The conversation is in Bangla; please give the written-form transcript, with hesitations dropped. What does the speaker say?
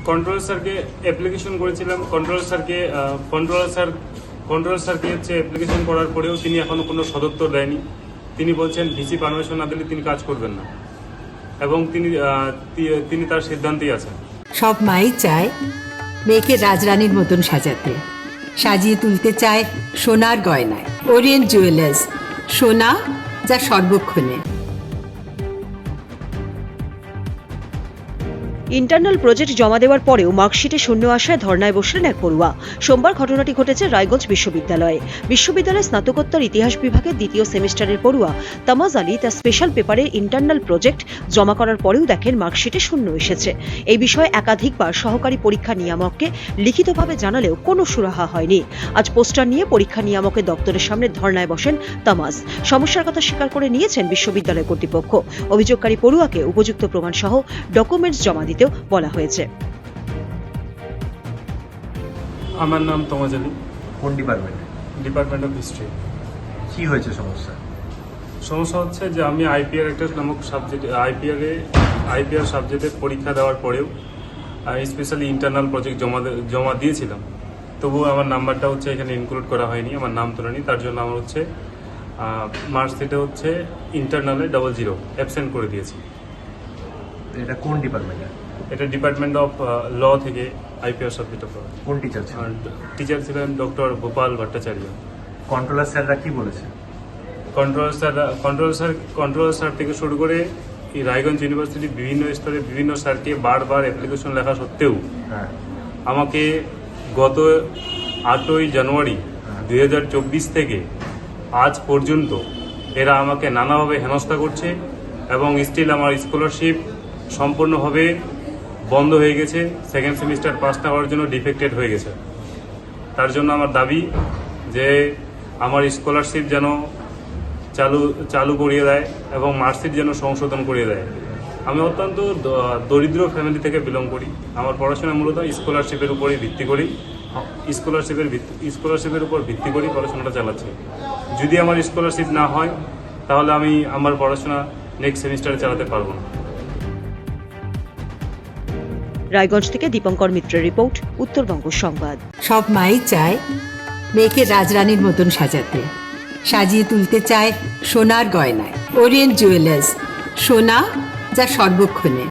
কন্ট্রোলার স্যারকে অ্যাপ্লিকেশন করেছিলাম। কন্ট্রোলার স্যারকে হচ্ছে অ্যাপ্লিকেশন করার পরেও তিনি এখনো কোনো সদুত্তর দেয়নি। তিনি বলছেন ভিসি পারমিশন না দিলে তিনি কাজ করবেন না, এবং তিনি তার সিদ্ধান্তেই আছেন। সব মাই চায় মেয়েকে রাজরানীর মতন সাজাতে, সাজিয়ে তুলতে চায় সোনার গয়নায়। ওরিয়েন্ট জুয়েলার্স, সোনা যা সর্বক্ষণে। ইন্টারনাল প্রজেক্ট জমা দেওয়ার পরেও মার্কশিটে শূন্য আসায় ধর্নায় বসলেন এক পড়ুয়া। সোমবার ঘটনাটি ঘটেছে রায়গঞ্জ বিশ্ববিদ্যালয়ে। বিশ্ববিদ্যালয়ের স্নাতকোত্তর ইতিহাস বিভাগের দ্বিতীয় সেমিস্টারের পড়ুয়া তামাজ আলী তার স্পেশাল পেপারের ইন্টারনাল প্রজেক্ট জমা করার পরেও দেখেন মার্কশিটে শূন্য এসেছে। এই বিষয়ে একাধিকবার সহকারী পরীক্ষা নিয়ামককে লিখিতভাবে জানালেও কোনো সুরাহা হয়নি। আজ পোস্টার নিয়ে পরীক্ষা নিয়ামকের দপ্তরের সামনে ধর্নায় বসেন তামাজ। সমস্যার কথা স্বীকার করে নিয়েছেন বিশ্ববিদ্যালয় কর্তৃপক্ষ। অভিযোগকারী পড়ুয়াকে উপযুক্ত প্রমাণ সহ ডকুমেন্টস জমা দিতেও বলা হয়েছে। আমার নাম তামাজ আলী। কোন ডিপার্টমেন্টে? Department of history. কি হয়েছে সমস্যা? সমস্যা হচ্ছে যে আমি আইপিআর একটা নামক আইপিআর সাবজেক্টে পরীক্ষা দেওয়ার পরেও স্পেশালি ইন্টারনাল প্রজেক্ট জমা দিয়েছিলাম, তবুও আমার নাম্বারটা হচ্ছে এখানে ইনক্লুড করা হয়নি, আমার নাম তোলেনি। তার জন্য আমার হচ্ছে মার্কশিটে হচ্ছে ইন্টারনালে 00 অ্যাবসেন্ট করে দিয়েছি। এটা কোন ডিপার্টমেন্টে? এটা ডিপার্টমেন্ট অফ ল থেকে আইপিআর সাবজেক্টে পড়া। কোন টিচার ছিল? টিচার ছিলেন ডক্টর গোপাল ভট্টাচার্য। কন্ট্রোলার স্যাররা কি বলেছে? কন্ট্রোলার স্যার থেকে শুরু করে এই রায়গঞ্জ ইউনিভার্সিটি বিভিন্ন স্তরে বিভিন্ন স্যারকে বারবার অ্যাপ্লিকেশন লেখা সত্ত্বেও হ্যাঁ, আমাকে গত 8ই জানুয়ারি 2024 থেকে আজ পর্যন্ত এরা আমাকে নানাভাবে হেনস্থা করছে, এবং স্টিল আমার স্কলারশিপ সম্পূর্ণভাবে বন্ধ হয়ে গেছে। সেকেন্ড সেমিস্টার পাস না হওয়ার জন্য ডিফেক্টেড হয়ে গেছে। তার জন্য আমার দাবি যে আমার স্কলারশিপ যেন চালু করিয়ে দেয় এবং মার্কশিট যেন সংশোধন করিয়ে দেয়। আমি অত্যন্ত দরিদ্র ফ্যামিলি থেকে বিলং করি। আমার পড়াশোনা মূলত স্কলারশিপের উপরেই ভিত্তি করি, স্কলারশিপের উপর ভিত্তি করেই পড়াশোনাটা চালাচ্ছি। যদি আমার স্কলারশিপ না হয় তাহলে আমি আমার পড়াশোনা নেক্সট সেমিস্টারে চালাতে পারবো না। রায়গঞ্জ থেকে দীপঙ্কর মিত্রের রিপোর্ট, উত্তরবঙ্গ সংবাদ। সব মাই চায় মেয়েকে রাজরানীর মতন সাজাতে, সাজিয়ে তুলতে চায় সোনার গয়নায়। ওরিয়েন্ট জুয়েলার্স, সোনা যা সর্বক্ষণে।